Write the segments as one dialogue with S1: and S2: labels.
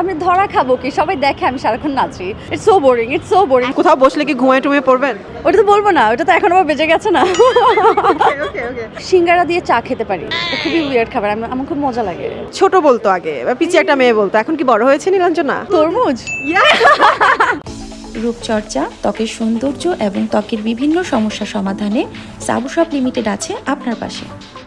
S1: আমি ধরা খাবো কি? সবাই দেখে আমি সারাক্ষণ নাচি। It's so boring, it's so boring.
S2: কোথাও বসলে কি ঘুমায় টুমিয়ে পড়বেন?
S1: ওটা তো বলবো না, ওটা তো এখন আবার বেজে গেছে না। সিঙ্গারা দিয়ে চা খেতে পারি, এটা খুবই উইয়ার্ড খাবার, আমার খুব মজা লাগে।
S2: ছোট বলতো আগে বা পিছিয়ে একটা মেয়ে বলতো, এখন কি বড় হয়েছে নীলাঞ্জনা?
S1: তরমুজ।
S3: রূপচর্চা, ত্বকের সৌন্দর্য এবং ত্বকের বিভিন্ন সমস্যা সমাধানে সাবু শপ লিমিটেড আছে আপনার পাশে।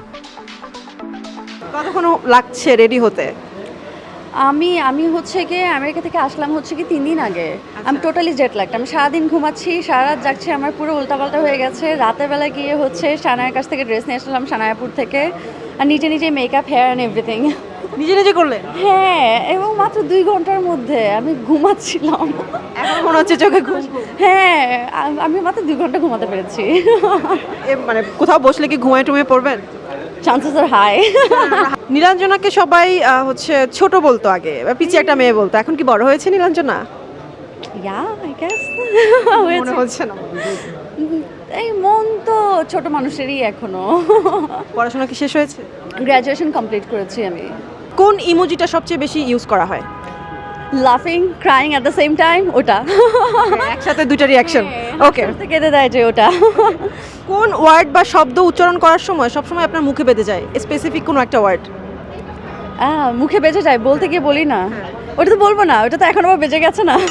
S2: কতক্ষণ লাগছে রেডি হতে?
S1: আমি হচ্ছে গিয়ে আমেরিকা থেকে আসলাম হচ্ছে কি 3 দিন আগে। আমি টোটালি জেট লাগটা, আমি সারাদিন ঘুমাচ্ছি, সারা রাত জাগছি, আমার পুরো উল্টাপাল্টা হয়ে গেছে। রাতের বেলা গিয়ে হচ্ছে সানায়ের কাছ থেকে ড্রেস নিয়ে আসলাম, সানায়াপুর থেকে, আর নিজে নিজে মেকআপ, হেয়ার অ্যান্ড এভরিথিং
S2: নিজে নিজে করলেন?
S1: হ্যাঁ, এবং মাত্র 2 ঘন্টার মধ্যে আমি ঘুমাচ্ছিলাম।
S2: এখন মনে হচ্ছে চোখে ঘুম।
S1: হ্যাঁ, আমি মাত্র 2 ঘন্টা ঘুমাতে পেরেছি।
S2: মানে কোথাও বসলে কি ঘুমায় টুমিয়ে পড়বেন?
S1: চান্সেস আর হাই।
S2: নীলাঞ্জনাকে সবাই হচ্ছে ছোট বলতো আগে বা পিছিয়ে একটা মেয়ে বলতো, এখন কি বড় হয়েছে নীলাঞ্জনা?
S1: ইয়া, আই গেস
S2: মনে হচ্ছে না।
S1: এই মন তো ছোট মানুষেরই এখনো।
S2: পড়াশোনা কি শেষ হয়েছে?
S1: গ্র্যাজুয়েশন কমপ্লিট করেছি আমি।
S2: কোন ইমোজিটা সবচেয়ে বেশি ইউজ করা হয়?
S1: লাফিং, crying at the same time, ওটা।
S2: একসাথে দুইটা রিঅ্যাকশন। ওকে।
S1: কেঁদে দেয় যে ওটা।
S2: কোন ওয়ার্ড বা শব্দ উচ্চারণ করার সময় সবসময় আপনার মুখে বেঁধে যায়, স্পেসিফিক কোনো একটা ওয়ার্ড?
S1: মুখে বেঁচে যায়, বলতে গিয়ে বলি না। ওটা তো বলবো না, ওটা তো এখন আবার বেজে গেছে না।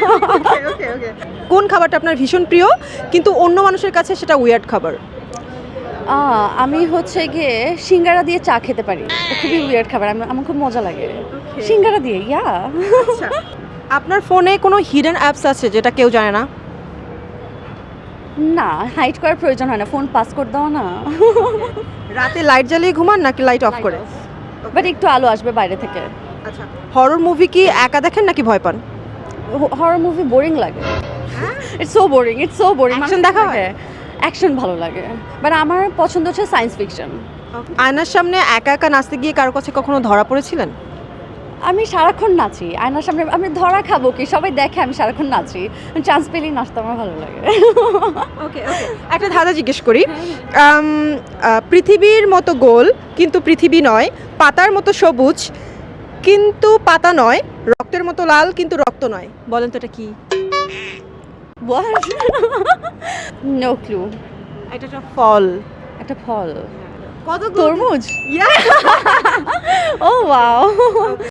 S2: কোন খাবারটা আপনার ভীষণ প্রিয় কিন্তু অন্য মানুষের কাছে সেটা উইয়ার্ড খাবার?
S1: আমি হচ্ছে গিয়ে সিঙ্গারা দিয়ে চা খেতে পারি, এটা খুবই উইয়ার্ড খাবার, আমার খুব মজা লাগে। সিঙ্গারা দিয়ে, ইয়া।
S2: আপনার ফোনে কোনো হিডেন অ্যাপস আছে যেটা কেউ জানে না?
S1: না, হাইড করার প্রয়োজন হয় না, ফোন পাসকোড দাও না।
S2: রাতে লাইট জ্বালিয়ে ঘুমান নাকি লাইট অফ করে?
S1: বাট একটু আলো আসবে বাইরে থেকে।
S2: আচ্ছা, হরর মুভি কি একা দেখেন নাকি ভয় পান?
S1: হরর মুভি বোরিং লাগে। It's so boring, it's so boring.
S2: Action দেখা হয়?
S1: অ্যাকশন ভালো লাগে, বাট আমার পছন্দ হচ্ছে সায়েন্স ফিকশন।
S2: আয়নার সামনে একা একা নাচতে গিয়ে কারো কাছে কখনো ধরা পড়েছিলেন?
S1: আমি সারাক্ষণ নাচি আয়নার সামনে, আমি ধরা খাবো কি? সবাই দেখে আমি সারাক্ষণ নাচি, চান্স পেলেই নাচতে আমার ভালো লাগে।
S2: ওকে ওকে, একটা ধাঁধা জিজ্ঞেস করি। পৃথিবীর মতো গোল কিন্তু পৃথিবী নয়, পাতার মতো সবুজ কিন্তু পাতা নয়, রক্তের মতো লাল কিন্তু রক্ত নয়, বলেন তো এটা কি?
S1: What? No clue.
S2: এটা একটা ফল।
S1: একটা ফল।
S2: কত
S1: তরমুজ?
S2: ইয়া।
S1: Oh wow.